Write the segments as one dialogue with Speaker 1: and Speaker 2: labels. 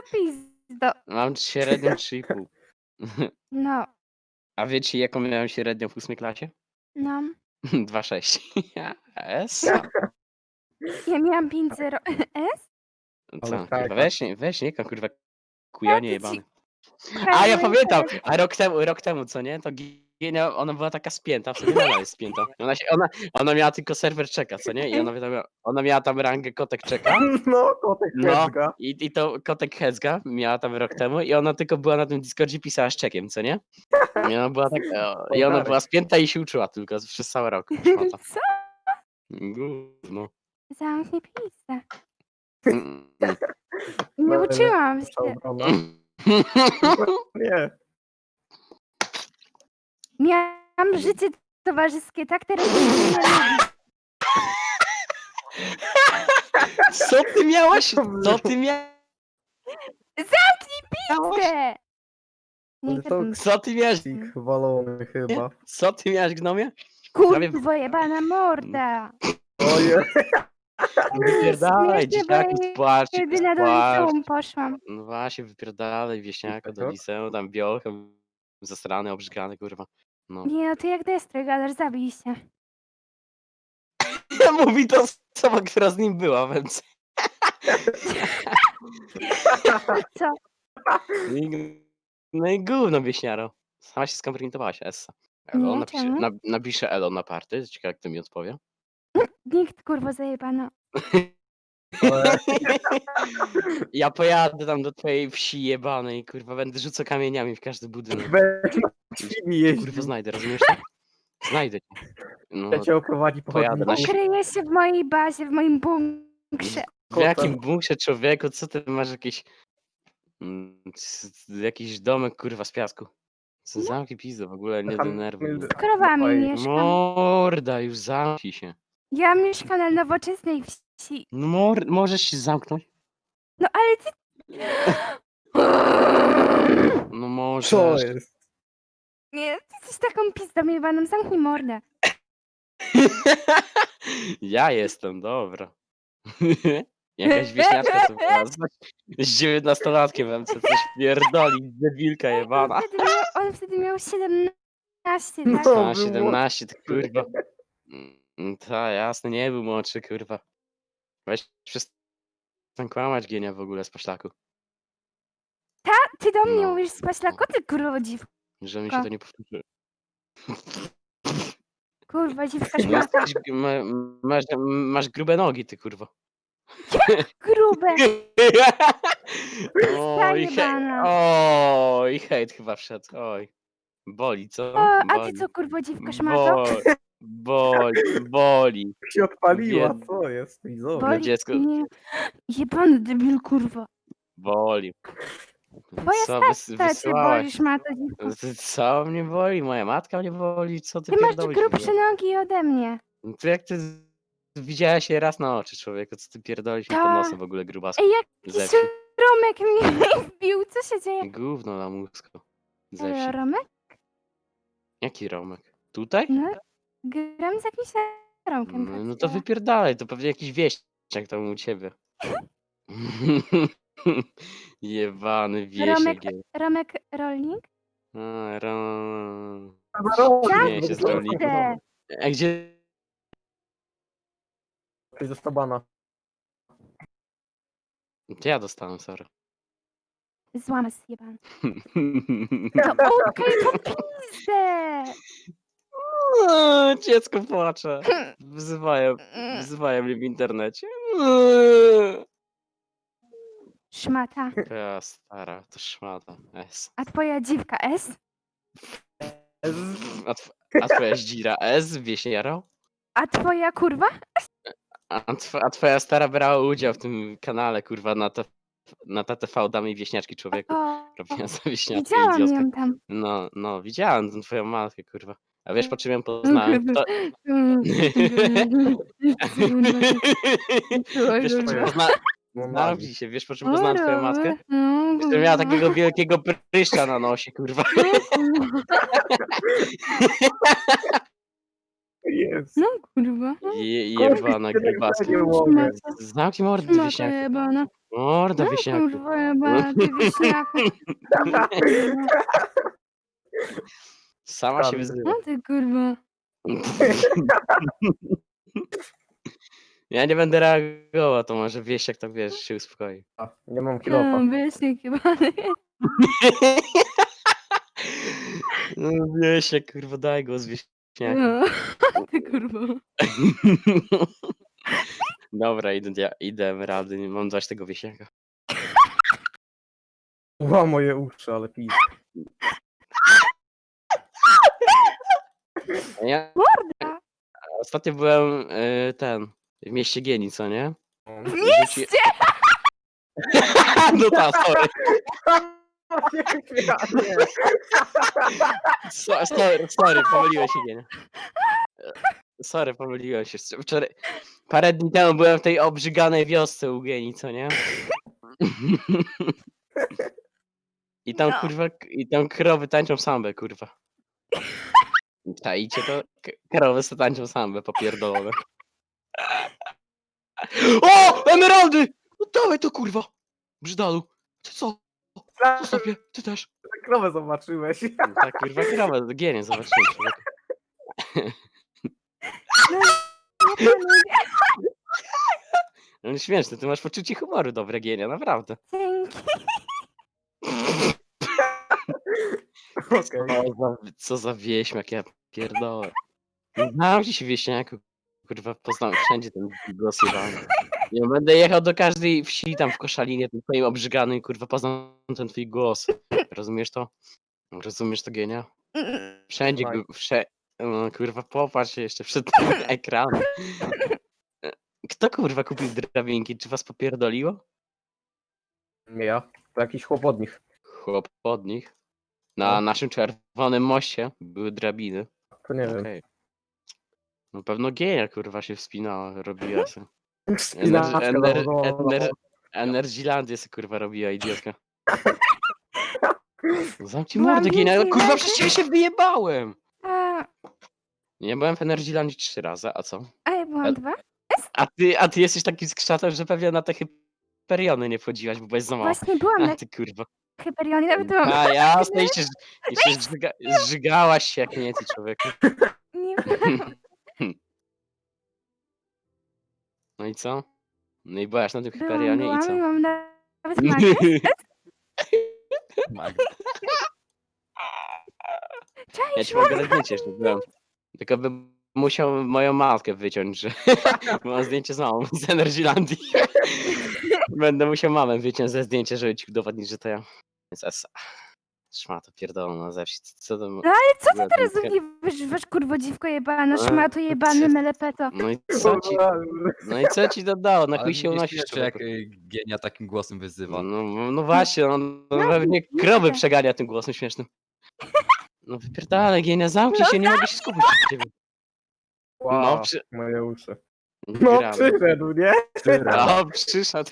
Speaker 1: pizdo.
Speaker 2: Mam średnią 3,5.
Speaker 1: No,
Speaker 2: A wiecie, jaką miałem średnią w 8 klasie?
Speaker 1: no.
Speaker 2: 2,6. Essa.
Speaker 1: Ja miałam 5,0. S?
Speaker 2: Co?
Speaker 3: Ale
Speaker 2: Kurwa,
Speaker 3: tak.
Speaker 2: weź nie, kurwa, kujonie
Speaker 1: ci
Speaker 2: jebany. A
Speaker 1: pokażę
Speaker 2: ja
Speaker 1: moje
Speaker 2: pamiętam,
Speaker 1: telefon.
Speaker 2: a rok temu, co nie? To Gienia, ona była taka spięta, w sumie nadal jest spięta. Ona miała tylko serwer czeka, co nie? I ona miała tam rangę kotek czeka.
Speaker 3: No, kotek
Speaker 2: No,
Speaker 3: Hedzga.
Speaker 2: i to kotek Hedzga miała tam rok temu i ona tylko była na tym Discordzie, pisała z czekiem, co nie? I ona była tak, i ona była spięta i się uczyła tylko przez cały rok. Szmata.
Speaker 1: Co?
Speaker 2: Gówno.
Speaker 1: Zamknij pizdę.
Speaker 2: Mm.
Speaker 1: Nie
Speaker 3: No,
Speaker 1: uczyłam
Speaker 3: Nasza
Speaker 1: się.
Speaker 3: obrona. Nie.
Speaker 1: Miałam życie towarzyskie, tak teraz mnie nie lubi.
Speaker 2: Co ty miałaś? Co ty miałaś?
Speaker 1: Pizdę! Nie
Speaker 3: Ale to
Speaker 1: gadam.
Speaker 2: Co ty miałaś?
Speaker 3: Sik walony chyba.
Speaker 2: Co ty miałaś, gnomie?
Speaker 1: Kurwo jebana morda.
Speaker 3: Oje.
Speaker 2: Wypierdalaj,
Speaker 1: śmieszne,
Speaker 2: dzieciaki,
Speaker 1: bo
Speaker 2: spłaczcie,
Speaker 1: Jedyna do liceum poszłam.
Speaker 2: No właśnie, wypierdalaj, wieśniaka do
Speaker 3: Tak?
Speaker 2: liceum, tam biochem, zasrany, obrzygany, kurwa. No.
Speaker 1: Nie no, ty jak Destry gadasz, zabij się.
Speaker 2: Mówi to osoba, która z nim była, więc...
Speaker 1: Co?
Speaker 2: No i gówno, wieśniaro. Sama się skompromitowałaś, Essa. Elo,
Speaker 1: Nie, czemu?
Speaker 2: napiszę Elo na party, ciekawe jak to mi odpowie.
Speaker 1: Nikt kurwo zajebano.
Speaker 3: Ale
Speaker 2: Ja pojadę tam do twojej wsi jebanej, kurwa, będę rzucał kamieniami w każdy budynek.
Speaker 3: weź na chwili jeździł.
Speaker 2: Kurwa, znajdę, rozumiesz to? Znajdę cię. No,
Speaker 3: Ja cię oprowadzi po
Speaker 2: Pojadę na
Speaker 3: chodniku.
Speaker 1: Kryję się w mojej bazie, w moim bunkrze.
Speaker 2: w jakim bunkrze, człowieku? Co ty masz jakieś... jakiś domek, kurwa, z piasku. Co zamknij pizdę, w ogóle nie
Speaker 3: Tam-
Speaker 2: denerwuj mnie.
Speaker 1: Z krowami
Speaker 3: Oj.
Speaker 1: mieszkam.
Speaker 2: Morda, już zamknij się.
Speaker 1: Ja mieszkam na nowoczesnej wsi.
Speaker 2: No możesz się zamknąć?
Speaker 1: No ale ty...
Speaker 2: No możesz.
Speaker 3: Co jest?
Speaker 1: Nie, ty jesteś taką pizdą jebaną, zamknij mordę.
Speaker 2: Ja jestem, dobra. Jakaś wieśniaczka tu była z 19-latkiem MC, coś pierdoli, debilka jebana.
Speaker 1: On wtedy miał 17, tak?
Speaker 3: No.
Speaker 2: A, 17, to kurwa. Ta, jasne, nie był młodszy, kurwa. Weź przestań kłamać, Gienia, w ogóle z poszlaku.
Speaker 1: Ty do mnie
Speaker 2: No.
Speaker 1: mówisz spać na koty, kurwa dziwko.
Speaker 2: Że mi się to nie powtórzy.
Speaker 1: Kurwa dziwka
Speaker 2: No
Speaker 1: szmata.
Speaker 2: jesteś, masz grube nogi, ty kurwa.
Speaker 1: Grube.
Speaker 2: Oj,
Speaker 1: Zajebana.
Speaker 2: oj, hejt chyba wszedł, oj. Boli, co?
Speaker 1: O, a ty
Speaker 2: Boli.
Speaker 1: co kurwa dziwka szmato?
Speaker 2: Boli.
Speaker 3: Się odpaliła,
Speaker 2: Biedny.
Speaker 3: co jest? Widzowie.
Speaker 2: Boli. dziecko.
Speaker 1: Nie. Jebany debil kurwa.
Speaker 2: Boli.
Speaker 1: Twoja
Speaker 2: Co
Speaker 1: stata cię
Speaker 2: wysyłałaś?
Speaker 1: boli szmato dziwko.
Speaker 2: Co mnie boli? Moja matka mnie boli? Co ty
Speaker 1: Ty masz
Speaker 2: pierdolisz? w
Speaker 1: grubsze
Speaker 2: ogóle?
Speaker 1: nogi ode mnie.
Speaker 2: No to jak ty widziałaś się raz na oczy, człowieku, co ty pierdolisz mi pod
Speaker 1: Ta.
Speaker 2: nosem w ogóle grubasku
Speaker 1: Ej, jak
Speaker 2: ze wsi.
Speaker 1: Romek mnie wbił, co się dzieje?
Speaker 2: Gówno na mózgu ze
Speaker 1: Elo,
Speaker 2: wsi.
Speaker 1: Romek?
Speaker 2: Jaki Romek? Tutaj?
Speaker 1: No, gram z jakimś Romkiem.
Speaker 2: No to wypierdalaj, to pewnie jakiś wieśniak tam u ciebie. Jebany
Speaker 1: Romek,
Speaker 2: wiesiek.
Speaker 1: Romek Rolnik?
Speaker 2: Nie, się z rolnikiem. A gdzie?
Speaker 3: Ktoś został bana.
Speaker 2: To ja dostałem, sorry.
Speaker 1: Złamy zjebany. No okej, po pizdę!
Speaker 2: Dziecko płacze. Wzywają mnie w internecie.
Speaker 1: Szmata.
Speaker 2: Ja stara, to szmata. S.
Speaker 1: A twoja dziwka S?
Speaker 2: A twoja zdzira S, wieśniaro?
Speaker 1: A twoja kurwa?
Speaker 2: A twoja stara brała udział w tym kanale, kurwa, na TTV Damy i Wieśniaczki Człowieku.
Speaker 1: O,
Speaker 2: Robiła za wieśniaczkę
Speaker 1: widziałam
Speaker 2: idiotkę.
Speaker 1: ją tam.
Speaker 2: No, widziałem tą twoją matkę, kurwa. A wiesz, po czym ją poznałem? Kto... Wiesz, po czym poznałem... Zamknij się, wiesz, po czym poznałem twoją matkę? Że miała takiego wielkiego pryszcza na nosie, kurwa.
Speaker 3: Jest.
Speaker 1: No kurwa.
Speaker 2: Jebana grybacka.
Speaker 3: Nie mogę.
Speaker 2: Zamknij mordę, ty
Speaker 1: Szmata
Speaker 2: wieśniaku.
Speaker 1: jebana.
Speaker 2: Morda,
Speaker 1: No
Speaker 2: wieśniaku.
Speaker 1: kurwa jebana, ty wieśniaku.
Speaker 2: Sama się
Speaker 3: Skandal.
Speaker 2: wyzywa.
Speaker 1: No ty kurwa.
Speaker 2: Ja nie będę reagował, to może wieśniak tak wiesz, się uspokoi.
Speaker 3: Nie mam kilofa.
Speaker 1: No, wieśniak jebany.
Speaker 2: No wieśniak, kurwa, daj głos wieśniaku.
Speaker 1: No, ty kurwa.
Speaker 2: Dobra, idę rady, mam dać tego wieśniaka.
Speaker 3: Ła moje uszy, ale pis.
Speaker 2: Ja
Speaker 1: Morda.
Speaker 2: ostatnio byłem w mieście Gieni, co nie?
Speaker 1: W mieście!
Speaker 2: No tak, sorry. Sorry, pomyliłem się, Gienia. Sorry, pomyliłem się. Wczoraj, parę dni temu byłem w tej obrzyganej wiosce u Gieni, co nie? I tam,
Speaker 1: No.
Speaker 2: kurwa, i tam krowy tańczą sambę, kurwa. Czaicie to? Krowy se tańczą sambę, popierdolone. O! Emeraldy! No dawaj to, kurwa! Brzydalu. Ty co? Zostaw mnie, ty też.
Speaker 3: Krowę zobaczyłeś.
Speaker 2: Tak, kurwa, krowę, Gienię zobaczyłem, człowieku.
Speaker 1: Nie planuję.
Speaker 2: No śmieszne, ty masz poczucie humoru dobre, Gienia, naprawdę.
Speaker 1: Dzięki.
Speaker 3: Okej.
Speaker 2: Co za wieśmiak, ja pierdolę. Znam się wieśniaku, kurwa, poznałem wszędzie ten głos jebany. Ja będę jechał do każdej wsi tam w Koszalinie, tym twoim obrzyganym, kurwa, poznam ten twój głos. Rozumiesz to? Rozumiesz to, Gienia? Wszędzie, no, kurwa, popatrz się jeszcze przed tym ekranem. Kto, kurwa, kupił drabinki? Czy was popierdoliło?
Speaker 3: Nie ja. To jakiś chłop od nich.
Speaker 2: Chłop od nich. Na
Speaker 3: No.
Speaker 2: naszym czerwonym moście były drabiny.
Speaker 3: To nie wiem.
Speaker 2: Okej. No pewno Gienia, kurwa, się wspinała, robiła się.
Speaker 3: Spinaczka zawodowa.
Speaker 2: Energylandię sobie, kurwa, robiła, idiotka. Zamknij
Speaker 1: Byłam
Speaker 2: mordę, Gienia,
Speaker 1: więcej
Speaker 2: kurwa,
Speaker 1: razy.
Speaker 2: przecież ja się wyjebałem!
Speaker 1: A
Speaker 2: Nie byłem w Energylandii 3 razy, a co?
Speaker 1: ja byłam 2?
Speaker 2: A ty jesteś takim skrzatem, że pewnie na te Hyperiony nie wchodziłaś, bo byłeś za mała.
Speaker 1: Właśnie byłam
Speaker 2: A
Speaker 1: na
Speaker 2: ty, kurwa.
Speaker 1: Hyperionie, nawet byłam.
Speaker 2: A jasne, i się zżygałaś się jak nie ty, człowieku.
Speaker 1: Nie byłam.
Speaker 2: No i co? No i byłaś na tym
Speaker 1: Byłam,
Speaker 2: Hyperionie i co?
Speaker 1: byłam i mam nawet magę.
Speaker 4: Magda.
Speaker 2: Ja ci mogę dać zdjęcie, że byłem. Tylko bym musiał moją matkę wyciąć, że mam zdjęcie z mamą z Energylandii. Będę musiał mamę wyciąć ze zdjęcia, żeby ci udowodnić, że to ja. Więc esa. Szmato pierdolona ze wsi. Co to?
Speaker 1: No ale co ty
Speaker 2: była
Speaker 1: teraz
Speaker 2: dwójka?
Speaker 1: wysz kurwo dziwko jebana,
Speaker 2: A,
Speaker 1: szmato jebany, melepeto.
Speaker 2: No i co ci dodało? Na
Speaker 4: Ale
Speaker 2: chuj się
Speaker 4: mnie
Speaker 2: unosisz,
Speaker 4: śmieszy, jak
Speaker 2: człowieku.
Speaker 4: Genia takim głosem wyzywa.
Speaker 2: No właśnie, on pewnie krowy przegania tym głosem śmiesznym. No wypierdalaj, Gienia, zamknij się, nie mogę się skupić na ciebie.
Speaker 3: Wow,
Speaker 2: No,
Speaker 3: moje uszy.
Speaker 2: Nie
Speaker 3: No
Speaker 2: grałem.
Speaker 3: przyszedł, nie?
Speaker 2: No, przyszedł.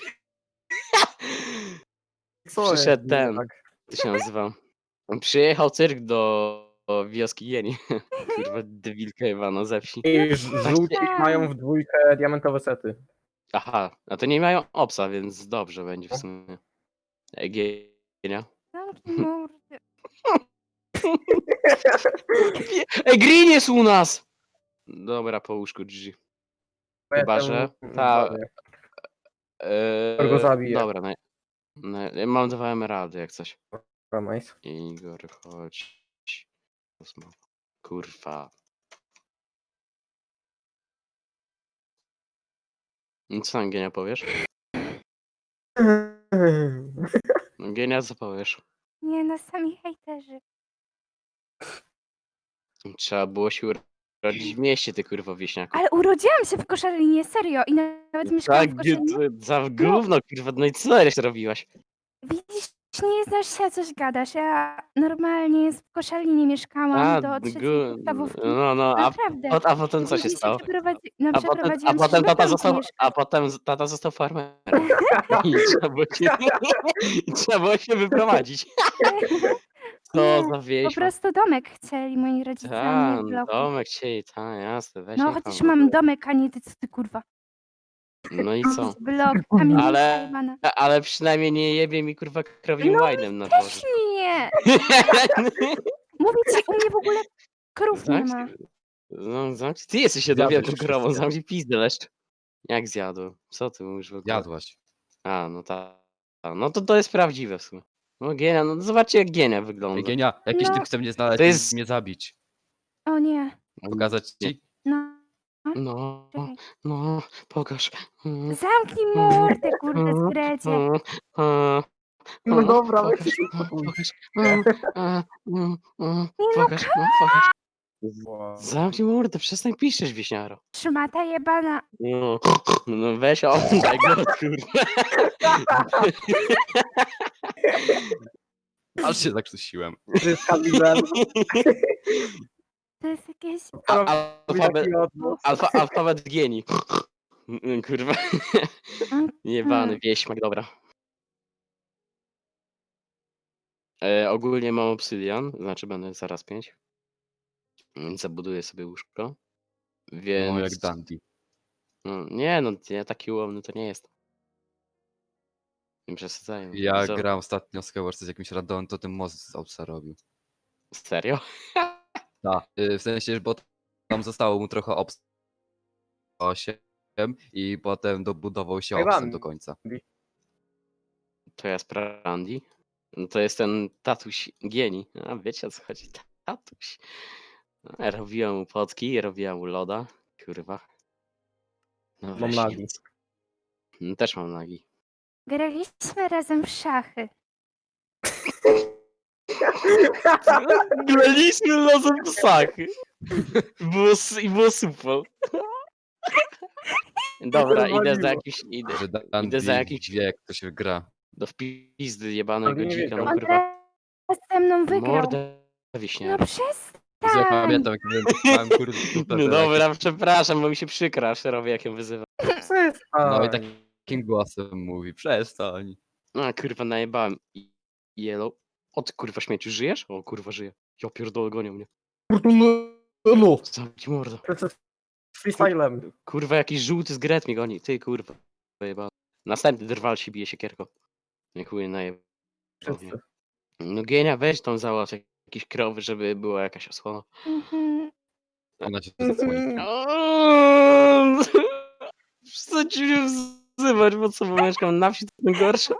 Speaker 3: Co jest?
Speaker 2: Przyszedł ten.
Speaker 3: Tak.
Speaker 2: To się nazywa. Przyjechał cyrk do wioski Gieni. Kurwa, debilka jebana ze wsi.
Speaker 3: I żółci mają w dwójkę diamentowe sety.
Speaker 2: Aha, a to nie mają obsa, więc dobrze będzie w sumie. Gienia.
Speaker 1: Zamknij mordę.
Speaker 2: Green jest u nas! Dobra, po łóżku GG. Chyba,
Speaker 3: Jestem
Speaker 2: że
Speaker 3: w
Speaker 2: ta-
Speaker 3: wodzie.
Speaker 2: Go
Speaker 3: zabiję.
Speaker 2: Dobra, mam 2 emeraldy jak coś.
Speaker 3: Dobra, nice.
Speaker 2: Igor, chodź. Kurwa. No co tam, Gienia, powiesz? No, Gienia, co powiesz?
Speaker 1: Nie, no sami hejterzy.
Speaker 2: Trzeba było się urodzić w mieście, ty kurwa wieśniaku.
Speaker 1: Ale urodziłam się w Koszalinie, serio. I nawet mieszkałam
Speaker 2: Tak,
Speaker 1: w Koszalinie.
Speaker 2: za gówno, kurwa, no i co jeszcze robiłaś?
Speaker 1: Widzisz, nie znasz się, coś gadasz. Ja normalnie w Koszalinie mieszkałam do trzeciej podstawówki.
Speaker 2: no,
Speaker 1: Naprawdę.
Speaker 2: a potem co się
Speaker 1: Później
Speaker 2: stało? A
Speaker 1: przeprowadziłam
Speaker 2: potem
Speaker 1: się
Speaker 2: tata
Speaker 1: do
Speaker 2: został,
Speaker 1: domku
Speaker 2: a potem tata został farmerem. I trzeba było się wyprowadzić. Co za
Speaker 1: Po
Speaker 2: wieś.
Speaker 1: prostu domek chcieli moi rodzice, a nie
Speaker 2: Ta,
Speaker 1: w bloku.
Speaker 2: domek chcieli, ta, jasne, weź
Speaker 1: No
Speaker 2: niech
Speaker 1: chociaż
Speaker 2: tam w
Speaker 1: mam
Speaker 2: ogóle.
Speaker 1: domek, a nie ty, co ty kurwa.
Speaker 2: No i co?
Speaker 1: Blok, kamienica
Speaker 2: Ale,
Speaker 1: jebana.
Speaker 2: ale przynajmniej nie jebie mi kurwa krowim
Speaker 1: No
Speaker 2: łajnem na dworze.
Speaker 1: Też nie! Mówię ci, u mnie w ogóle krów nie ma.
Speaker 2: No, zamknij. Ty jesteś jedną
Speaker 4: Zjadłeś
Speaker 2: wielką krową,
Speaker 4: wszystkie.
Speaker 2: zamknij pizdę leszcz. Jak zjadł? Co ty mówisz w ogóle?
Speaker 4: Jadłaś.
Speaker 2: A, no tak. No to jest prawdziwe w sumie. No Gienia, no zobaczcie jak Gienia wygląda.
Speaker 4: Genia, jakiś
Speaker 1: No.
Speaker 4: typ chce mnie znaleźć
Speaker 2: To
Speaker 4: i
Speaker 2: jest-
Speaker 4: mnie zabić.
Speaker 1: O nie.
Speaker 4: Pokazać ci?
Speaker 1: No.
Speaker 2: No,
Speaker 1: Czekaj.
Speaker 2: no, pokaż.
Speaker 1: Zamknij mordę, kurde, zgrecie.
Speaker 3: No dobra,
Speaker 2: pokaż,
Speaker 3: weź się
Speaker 2: pokaż,
Speaker 1: no,
Speaker 2: pokaż, pokaż.
Speaker 3: Wow.
Speaker 2: Zamknij mordę, przestań piszesz, wieśniaro.
Speaker 1: Szmata jebana.
Speaker 2: No, no weź oddaj go, kurwa.
Speaker 4: Aż się zakrztusiłem.
Speaker 3: Wszystka widzę.
Speaker 1: To jest jakieś...
Speaker 2: Alfabet genii. Kurwa. Jebany wieśmak, dobra. Ogólnie mam obsydian, znaczy będę zaraz 5. Więc zabuduję sobie łóżko. Więc...
Speaker 4: No jak dandy.
Speaker 2: No, nie no, ja taki ułomny to nie jest. Nie przesadzają.
Speaker 4: Ja
Speaker 2: Co?
Speaker 4: grałem ostatnio z Skyward z jakimś randomem, to ten most z Outsa robił.
Speaker 2: Serio?
Speaker 4: Tak, w sensie, bo tam zostało mu trochę obs 8 i potem dobudował się
Speaker 3: Ej,
Speaker 4: obsem
Speaker 3: mam.
Speaker 4: do końca.
Speaker 2: To jest Randy. No to jest ten tatuś genii. A wiecie o co chodzi? Tatuś. No, ja robiłem mu potki, robiłem mu loda. Kurwa. No
Speaker 3: Mam
Speaker 2: weź
Speaker 3: nagi.
Speaker 2: nic. No, też mam nagi.
Speaker 1: Graliśmy razem w szachy.
Speaker 2: Graliśmy razem w sachy. Było super. Dobra, idę za jakiś...
Speaker 4: Że
Speaker 2: Idę
Speaker 4: dandy
Speaker 2: za jakiś...
Speaker 4: wie, jak to się gra.
Speaker 2: Do wpizdy jebanego
Speaker 3: Ale nie
Speaker 2: dzika, no
Speaker 3: wiedział.
Speaker 1: On
Speaker 2: kurwa.
Speaker 1: teraz ze mną wygrał.
Speaker 2: Mordę
Speaker 1: No
Speaker 2: wiśniara.
Speaker 4: Ja
Speaker 1: przestań.
Speaker 4: pamiętam, jak miałem kurde super.
Speaker 2: No dobra, przepraszam, bo mi się przykra, aż robię jak ją wyzywam.
Speaker 4: No i takim głosem mówi, przestań.
Speaker 2: No kurwa, najebałem. Yellow. O ty kurwa śmieciu, żyjesz? O kurwa, żyje. Ja pierdolę, gonią mnie.
Speaker 3: No.
Speaker 2: Zamknij mordę.
Speaker 3: Z freestylem.
Speaker 2: Kurwa, jakiś żółty z Gret mnie goni. Ty kurwa, jebany. Następny drwal się bije siekierką. Nie chuj, najebał mnie.
Speaker 3: Wszyscy.
Speaker 2: No Gienia, weź tą załatw jakieś krowy, żeby była jakaś osłona.
Speaker 1: Mhm.
Speaker 4: Ona się zasłoni.
Speaker 2: Chcę ci się wzywać, bo co, bo mieszkam na wsi, to najgorsze.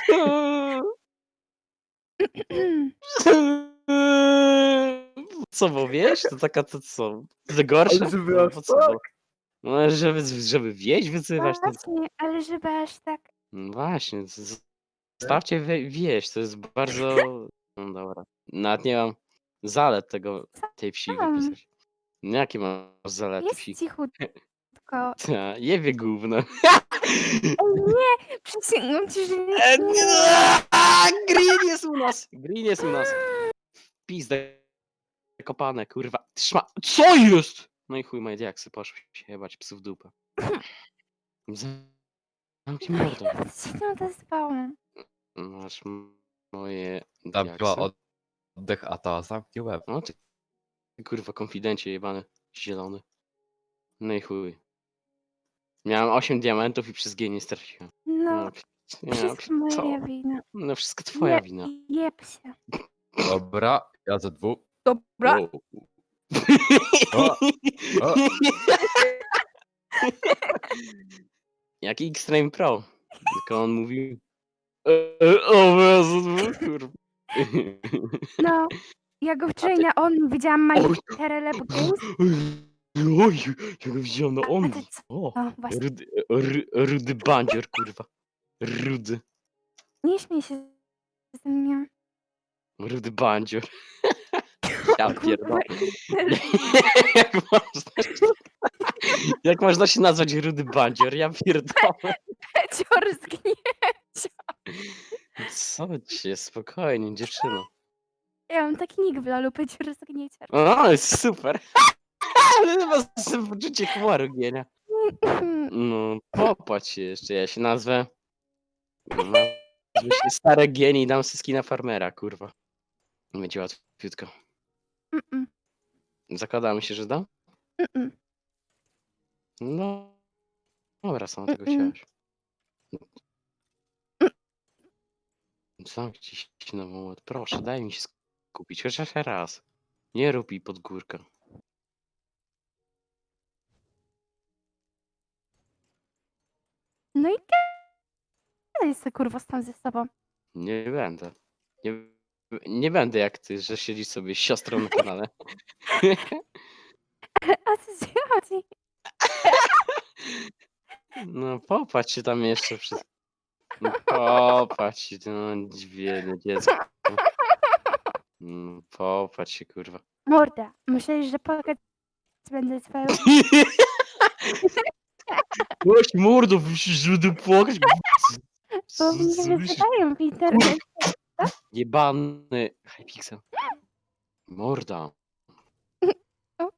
Speaker 2: Co, bo wieś? To taka, to co? To gorsze?
Speaker 3: Ale żeby
Speaker 2: No,
Speaker 3: aż
Speaker 2: po co,
Speaker 3: tak?
Speaker 2: bo? No, żeby wieś wyzywać, to co?
Speaker 1: Właśnie, ale żeby aż tak...
Speaker 2: No właśnie, stawcie wieś, to jest bardzo... No dobra. Nawet nie mam zalet tej wsi
Speaker 1: Mam.
Speaker 2: wypisać. No, jakie masz zalety wsi?
Speaker 1: Jest cichutko.
Speaker 2: Ta, jebie gówno.
Speaker 1: Ej, nie! Przysięgam ci, że
Speaker 2: Nie, Green jest u nas! Green jest u nas. Pizdę kopane, kurwa. Trzyma. Co jest? No i chuj, moje diaksy poszły się jebać psu w dupę. Zamknij mordę.
Speaker 1: nawet się nie odezwałam.
Speaker 2: Masz moje
Speaker 4: Tam była
Speaker 2: diaksy.
Speaker 4: oddech, a ta zamknie łeb.
Speaker 2: No ty kurwa, konfidencie jebany, zielony. No i chuj. Miałem 8 diamentów i przez G nie straciłem.
Speaker 1: No, wszystko
Speaker 2: co?
Speaker 1: moja wina.
Speaker 2: No wszystko twoja wina.
Speaker 1: Jeb się.
Speaker 4: Dobra, ja za 2.
Speaker 1: Dobra.
Speaker 2: Wow.
Speaker 4: O, o.
Speaker 2: Jak Xtreme Pro. Tylko on mówił. O Jezu, kurwa.
Speaker 1: No, ja go wczoraj
Speaker 2: ty-
Speaker 1: na on widziałam Maniterele Games.
Speaker 2: Oj, ja go widziałem na
Speaker 1: A
Speaker 2: on.
Speaker 1: ty co?
Speaker 2: O,
Speaker 1: O, właśnie.
Speaker 2: rudy bandzior, kurwa. Rudy.
Speaker 1: Nie śmiej się ze mnie.
Speaker 2: Rudy bandzior. Ja
Speaker 1: Kurwa.
Speaker 2: pierdolę. Jak można się nazwać rudy bandzior? Ja pierdolę.
Speaker 1: Cior zgnie.
Speaker 2: Co ci jest? Spokojnie, dziewczyno.
Speaker 1: Ja mam taki nick w lolu, Pecior zgnieciar.
Speaker 2: O, jest super. Ale masz poczucie humoru, Gienia. No, popatrz się jeszcze, ja się nazwę... Nazwę się Stare Gieni i dam syski na farmera, kurwa. Będzie łatwiutko.
Speaker 1: Mm-mm.
Speaker 2: Zakładamy się, że da?
Speaker 1: Mm-mm.
Speaker 2: No, dobra, sama tego
Speaker 1: Mm-mm.
Speaker 2: chciałaś. Zamknij się na moment. Proszę, daj mi się skupić. Chociaż raz. Nie rób jej pod górkę.
Speaker 1: No i gadaj se kurwa tam ze sobą.
Speaker 2: Nie będę. Nie, nie będę jak ty, że siedzisz sobie z siostrą na kanale.
Speaker 1: O co ci chodzi?
Speaker 2: No popatrz się tam jeszcze przez... No, popatrz się, no biedne dziecko. No, popatrz się, kurwa.
Speaker 1: Morda, myślisz, że płakać będę twoją...
Speaker 2: Głoś mordo, żeby płakać.
Speaker 1: Bo mnie wyzywają w internecie.
Speaker 2: Jebany Hypixel. Morda.
Speaker 1: Ok.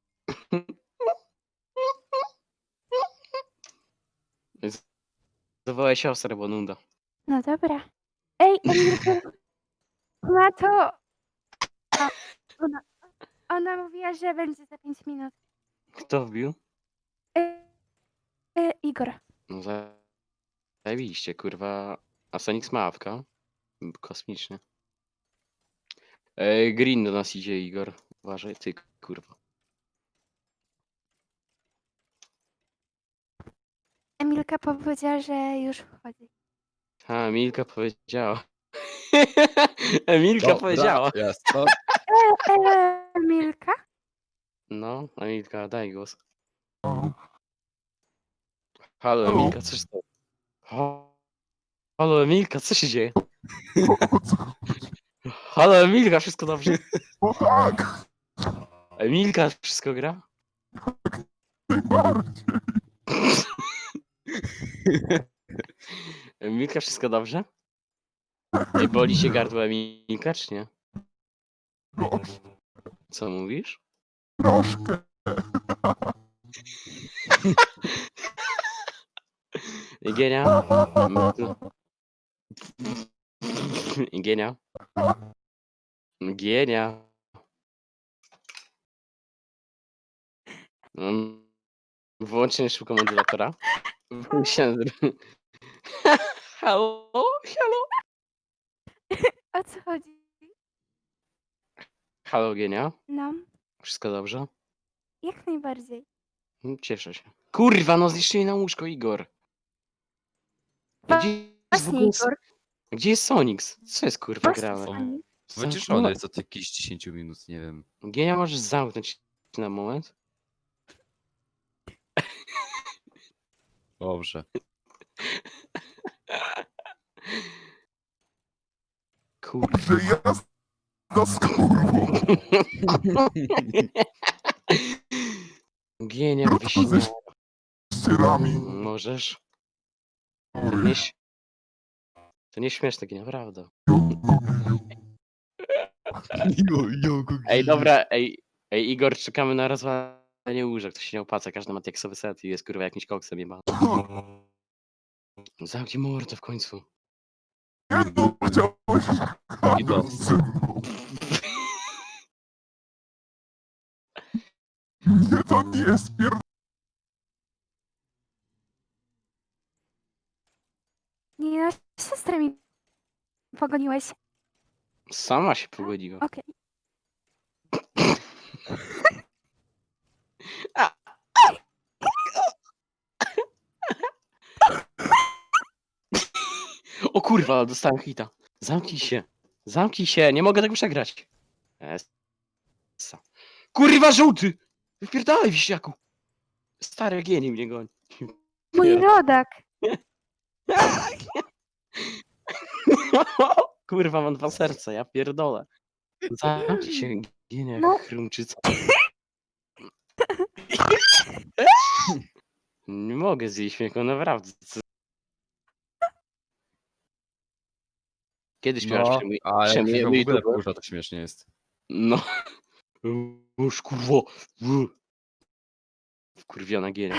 Speaker 2: Zawołaj siostrę, bo nuda.
Speaker 1: No dobra. Ej, Emilko, ma to... O, ona mówiła, że będzie za 5 minut.
Speaker 2: Kto wbił?
Speaker 1: Igor.
Speaker 2: No zajebiście, kurwa. A Sonix ma awka. Kosmicznie. Green do nas idzie, Igor. Uważaj, ty, kurwa.
Speaker 1: Emilka powiedziała, że już wchodzi.
Speaker 2: A, Emilka powiedziała. Emilka
Speaker 4: Dobra,
Speaker 2: powiedziała.
Speaker 4: jest, no.
Speaker 1: Emilka?
Speaker 2: No, Emilka, daj głos. Halo, Emilka, co się stało? Halo, Emilka, co się dzieje? Halo, Emilka, wszystko dobrze?
Speaker 5: No tak,
Speaker 2: Emilka, wszystko gra?
Speaker 5: najbardziej.
Speaker 2: Emilka, wszystko dobrze? Nie boli się gardło Emilka, czy nie? Co mówisz?
Speaker 5: Troszkę.
Speaker 2: Igienia? Igienia? Gienia? Wyłącznie szybko modulatora. Halo? Halo?
Speaker 1: O co chodzi?
Speaker 2: Halo, Gienia?
Speaker 1: No,
Speaker 2: Wszystko dobrze?
Speaker 1: jak najbardziej.
Speaker 2: Cieszę się. Kurwa, no zniszczyli na łóżko, Igor. Gdzie jest w
Speaker 1: Właśnie,
Speaker 2: ogóle...
Speaker 1: Igor.
Speaker 2: Gdzie jest Sonix? Co jest kurwa
Speaker 1: Właśnie,
Speaker 2: grane?
Speaker 1: Sonic.
Speaker 4: Wyciszony jest od jakichś 10 minut, nie wiem.
Speaker 2: Gienia, możesz zamknąć na moment?
Speaker 4: Dobrze.
Speaker 2: Kurwa.
Speaker 5: Że ja z kurwą.
Speaker 2: Gienia,
Speaker 5: Ze
Speaker 2: wyśmiał.
Speaker 5: ścierami.
Speaker 2: Możesz? To nie, to nie śmieszne, Gienia, prawda. Ej, dobra, ej, Igor, czekamy na rozwalenie łóżek, to się nie opłaca, każdy ma teksowy set i jest kurwa jakimś koksem jebany. Zamknij mordę w końcu.
Speaker 5: Nie no, chciałeś
Speaker 4: I to.
Speaker 5: gadać ze mną. Nie, to nie jest
Speaker 1: Nie no, siostrę mi pogoniłeś.
Speaker 2: Sama się pogodziła.
Speaker 1: Okej.
Speaker 2: O kurwa, dostałem hita. Zamknij się. Zamknij się, nie mogę tego przegrać. Essa. Kurwa, żółty! Wypierdalaj, wiśniaku. Stary genii mnie goni.
Speaker 1: Mój rodak.
Speaker 2: Kurwa, mam 2 serca, ja pierdolę. Zamknij się, ginie
Speaker 1: No.
Speaker 2: jak chrumczyca. Nie mogę z jej śmiechu, naprawdę. Kiedy śpiewasz
Speaker 4: No, a jak
Speaker 2: przemijemy
Speaker 4: się w ogóle
Speaker 2: YouTube?
Speaker 4: wkurza, to śmiesznie jest.
Speaker 2: No. Uż kurwo. Wkurwiona gienia.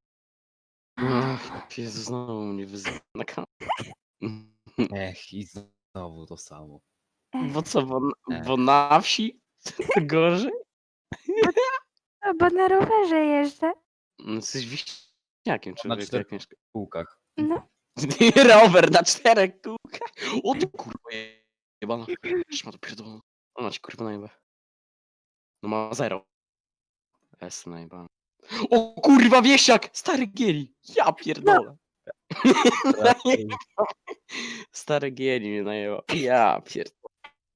Speaker 2: Ach, Jezu, znowu mnie wyzywa na kanał.
Speaker 4: Ech, i znowu to samo.
Speaker 2: Bo co,
Speaker 4: Nie.
Speaker 2: bo na wsi to gorzej?
Speaker 1: No, bo na rowerze jeżdżę.
Speaker 2: No, jesteś wiśniakiem,
Speaker 4: Na
Speaker 2: człowiek,
Speaker 4: 4
Speaker 2: jak mieszka.
Speaker 4: kółkach.
Speaker 1: No,
Speaker 2: Rower na 4 kółkach. O ty kurwa jebana. Trzyma to pierdolą. Ona ci kurwa najebę. No ma 0. S najebana. O kurwa wieśniak! Stary Gieri! Ja pierdolę. Stary Gieri mnie najebał. Ja pierdolę.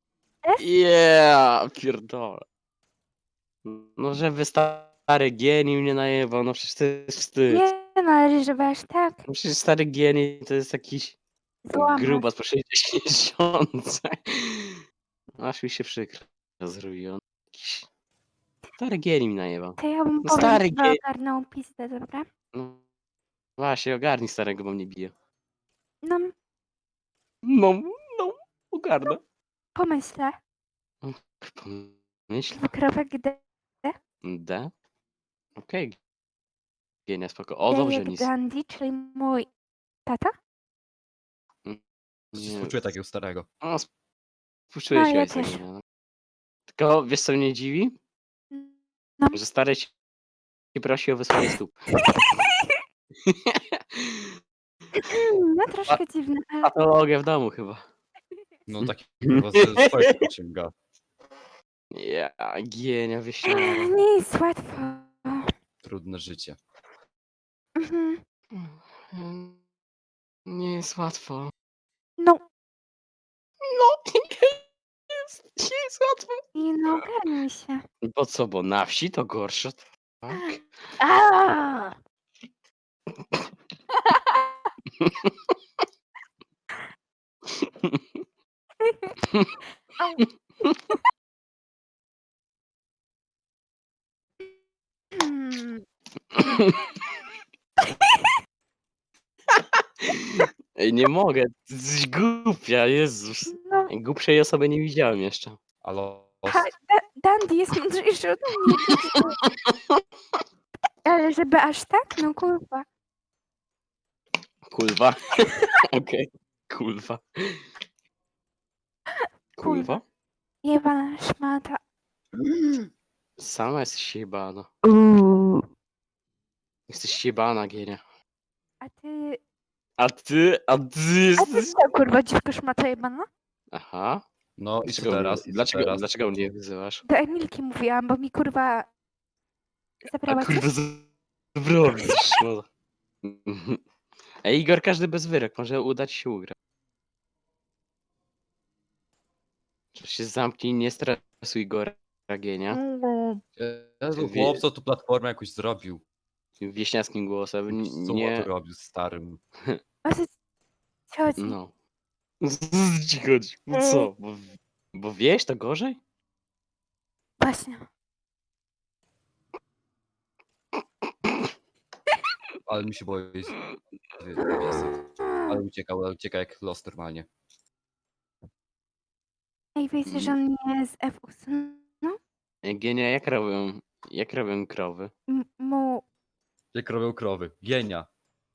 Speaker 2: Ja pierdolę. No żeby stary Gieri mnie najebał, no przecież to jest wstyd.
Speaker 1: nie należy, żeby aż tak
Speaker 2: No przecież stary Gieri to jest jakiś
Speaker 1: złamać.
Speaker 2: grubas po 60. Aż mi się przykro zrobiło. Jakiś stary Gieri mi najebał.
Speaker 1: To ja bym
Speaker 2: No
Speaker 1: powiem,
Speaker 2: stary
Speaker 1: żeby
Speaker 2: Gieri.
Speaker 1: ogarnął pizdę, dobra?
Speaker 2: No właśnie, ogarnij starego, bo mnie bije.
Speaker 1: No,
Speaker 2: No, no, ogarnę.
Speaker 1: pomyślę.
Speaker 2: Myśl.
Speaker 1: Dwukropek D.
Speaker 2: D? Okej. Gienia, spoko.
Speaker 1: D
Speaker 2: O, dobrze,
Speaker 1: jak
Speaker 2: nic.
Speaker 1: Dandy, czyli mój tata.
Speaker 2: Nie.
Speaker 4: Współczuję takiego starego.
Speaker 2: O, współczuję
Speaker 1: No,
Speaker 2: ci
Speaker 1: ja
Speaker 2: ojca
Speaker 1: też.
Speaker 2: Gienia, no. Tylko wiesz co mnie dziwi?
Speaker 1: No.
Speaker 2: Że stary ci prosi o wysłanie stóp.
Speaker 1: No, troszkę dziwne, ale
Speaker 2: Patologia w domu chyba.
Speaker 4: No taki kurwa ze swojego sięga.
Speaker 2: Ja, Gienia, wieśniara.
Speaker 1: nie jest łatwo.
Speaker 4: Trudne życie.
Speaker 1: Mhm.
Speaker 2: Nie jest łatwo.
Speaker 1: No,
Speaker 2: No, nie jest łatwo.
Speaker 1: i no ogarnij się.
Speaker 2: Bo co, bo na wsi to gorsze, tak?
Speaker 1: Aaaa! Au. Hmm.
Speaker 2: Ej, nie mogę, ty jesteś głupia, Jezus.
Speaker 1: No,
Speaker 2: Głupszej osoby nie widziałem jeszcze.
Speaker 4: Ale
Speaker 1: Dandy jest mądrzejszy od mnie. Ale żeby aż tak? No kurwa.
Speaker 2: Kulwa. Okej, kulwa. Kulwa?
Speaker 1: Jebana szmata.
Speaker 2: Sama jesteś jebana. Jesteś jebana, Gienia.
Speaker 1: A ty...
Speaker 2: A ty
Speaker 1: A ty
Speaker 2: jesteś...
Speaker 1: co kurwa dziwko szmata jebana?
Speaker 2: Aha.
Speaker 4: no i co
Speaker 2: Dlaczego,
Speaker 4: teraz? I co
Speaker 2: dlaczego,
Speaker 4: teraz?
Speaker 2: dlaczego mnie wyzywasz?
Speaker 1: Do Emilki mówiłam, bo mi kurwa...
Speaker 2: A
Speaker 1: Zabrała
Speaker 2: kurwa,
Speaker 1: coś?
Speaker 2: zrobisz. No. Ej, Igor, każdy bez wyrok. Może uda ci się ugrać. Czy się zamknij, nie stresuj Igora, Gienia.
Speaker 4: Jezu, chłopco tu platformę jakoś zrobił.
Speaker 2: Tym wieśniackim głosem.
Speaker 4: Co
Speaker 2: Nie...
Speaker 4: tu robił starym?
Speaker 1: O co ci chodzi?
Speaker 2: No. Co ci chodzi? Bo co? Bo wieś to gorzej?
Speaker 1: Właśnie.
Speaker 4: Ale mi się boi. Ale ucieka jak los normalnie.
Speaker 1: Ej, wiecie, że on mnie z F usunął?
Speaker 2: Gienia, jak robią krowy?
Speaker 1: Mu...
Speaker 4: Jak robią krowy. Gienia.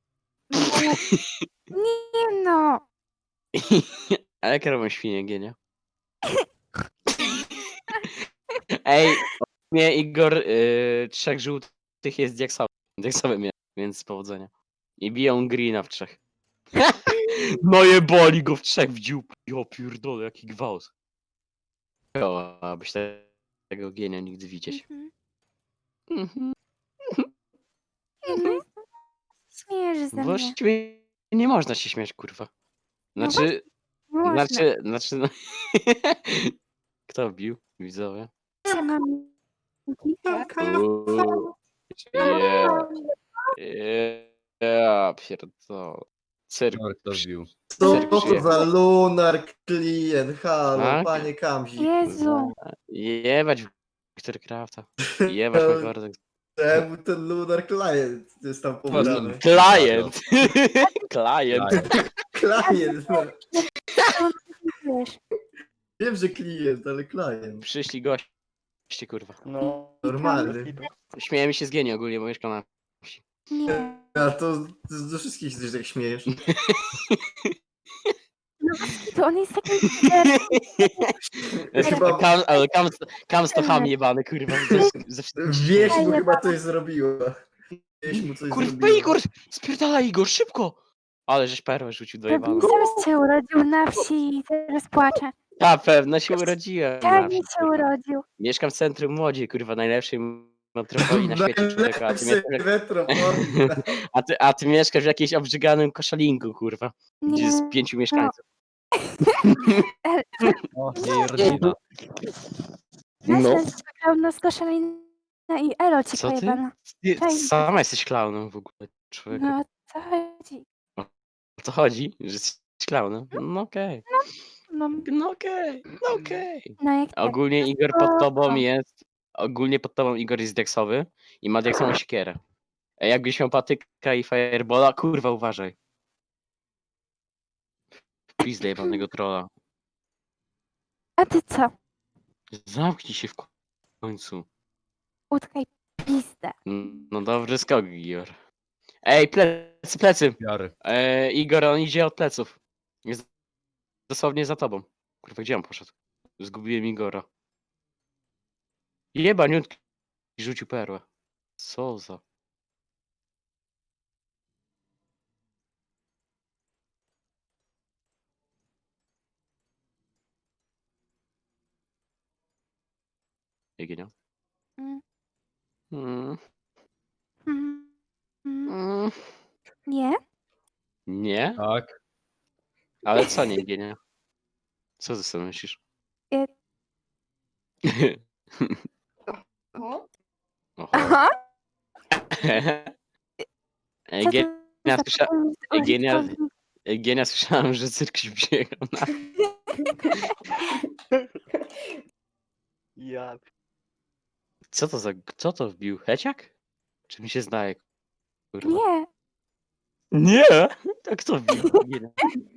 Speaker 1: Nie no!
Speaker 2: A jak robią świnie, Gienia? Ej, mnie Igor, 3 żółtych jest diaksowym, więc powodzenia. I biją greena w 3. No jeboli go w 3 w dziób. Jo pierdolę, jaki gwałt. O, abyś tego Gienia nigdy widzieć.
Speaker 1: Mhm.
Speaker 2: Mhm.
Speaker 1: No, śmiejesz ze mnie.
Speaker 2: Właściwie nie można się śmiać, kurwa.
Speaker 1: No
Speaker 2: Znaczy,
Speaker 1: Nie można.
Speaker 2: no... Kto bił? Widzowie?
Speaker 1: Się mam...
Speaker 2: Uuu, ja pierdolę. Cyrk.
Speaker 4: No, kto wbił.
Speaker 6: Co
Speaker 2: Cyrk
Speaker 6: to
Speaker 2: przyjechał.
Speaker 6: za lunar klient? Halo,
Speaker 2: Tak?
Speaker 6: panie Kamzi.
Speaker 1: Jezu.
Speaker 2: Jebać Wiktor Crafta. Jebać Magordek.
Speaker 6: Czemu ten lunar klient jest tam pobrany?
Speaker 2: Klient! Klient.
Speaker 6: Klient, no.
Speaker 1: Wiesz,
Speaker 6: Wiem, że klient, ale klient.
Speaker 2: Przyszli goście, kurwa.
Speaker 6: No, normalny.
Speaker 2: Śmiejemy się z Gieni ogólnie, bo mieszka na...
Speaker 1: nie.
Speaker 6: A to do wszystkich się tak śmiejesz.
Speaker 1: To on jest taki lider.
Speaker 6: Chyba-
Speaker 2: Ale Kams to ham jebany, kurwa. Ze wszystkich-
Speaker 6: Wieś mu
Speaker 1: Fajnie,
Speaker 6: chyba coś zrobiła. Wieś mu coś
Speaker 2: Kurwa,
Speaker 6: zrobiła.
Speaker 2: Igor! Spierdalaj, Igor, szybko! Ale żeś perłę rzucił do jebana.
Speaker 1: Pewnie się urodził na wsi i teraz płacze.
Speaker 2: A, pewno się urodziłem. na
Speaker 1: Pewnie
Speaker 2: wsi,
Speaker 1: się
Speaker 2: kurwa.
Speaker 1: urodził.
Speaker 2: Mieszkam w centrum Młodzi, kurwa, najlepszej metropolii na świecie, człowieku.
Speaker 6: Najlepszej metropolii.
Speaker 2: A ty mieszkasz w jakimś obrzyganym koszalinku, kurwa. Gdzie jest
Speaker 1: Nie.
Speaker 2: 5 mieszkańców.
Speaker 4: O, jej rodzina.
Speaker 2: No.
Speaker 1: Pełno z koszalina i elo ci
Speaker 2: Co ty?
Speaker 1: pojebana.
Speaker 2: Ty
Speaker 1: Cześć.
Speaker 2: sama jesteś klaunem w ogóle, człowieku.
Speaker 1: No, co chodzi?
Speaker 2: O co chodzi? Że jesteś klaunem? No okej.
Speaker 1: No,
Speaker 2: No okej. No okej.
Speaker 1: no jak tak.
Speaker 2: Ogólnie Igor pod tobą jest... Ogólnie pod tobą Igor jest deksowy i ma deksową siekierę. A jakbyś miał patyka i firebola, kurwa uważaj. Pizdę jebanego trolla.
Speaker 1: A ty co?
Speaker 2: Zamknij się w końcu.
Speaker 1: Utkaj pizdę.
Speaker 2: No dobry skok, Igor. Ej, plecy, plecy!
Speaker 4: Jary.
Speaker 2: Igor, on idzie od pleców. Jest dosłownie za tobą. Kurwa, gdzie on poszedł? Zgubiłem Igora. Jebaniutki rzucił perłę. Co za... Egienia?
Speaker 1: Mm.
Speaker 2: Mm,
Speaker 1: Mm. Mm.
Speaker 2: mm.
Speaker 1: Nie?
Speaker 2: Nie?
Speaker 4: Tak.
Speaker 2: Ale co nie, Egienia? Co ty sobie myślisz?
Speaker 1: E-
Speaker 2: Oho.
Speaker 1: Aha. Co ty
Speaker 2: Egienia,
Speaker 1: za
Speaker 2: słysza...
Speaker 1: problem z
Speaker 2: Eugenia-
Speaker 1: uliczką?
Speaker 2: Egienia, słyszałem, że cyrk się biegał na...
Speaker 7: Ja.
Speaker 2: Co to za... Co to wbił? Heciak? Czy mi się zdaje? Kurwa.
Speaker 1: Nie.
Speaker 2: Nie! Tak to wbił. Egienia.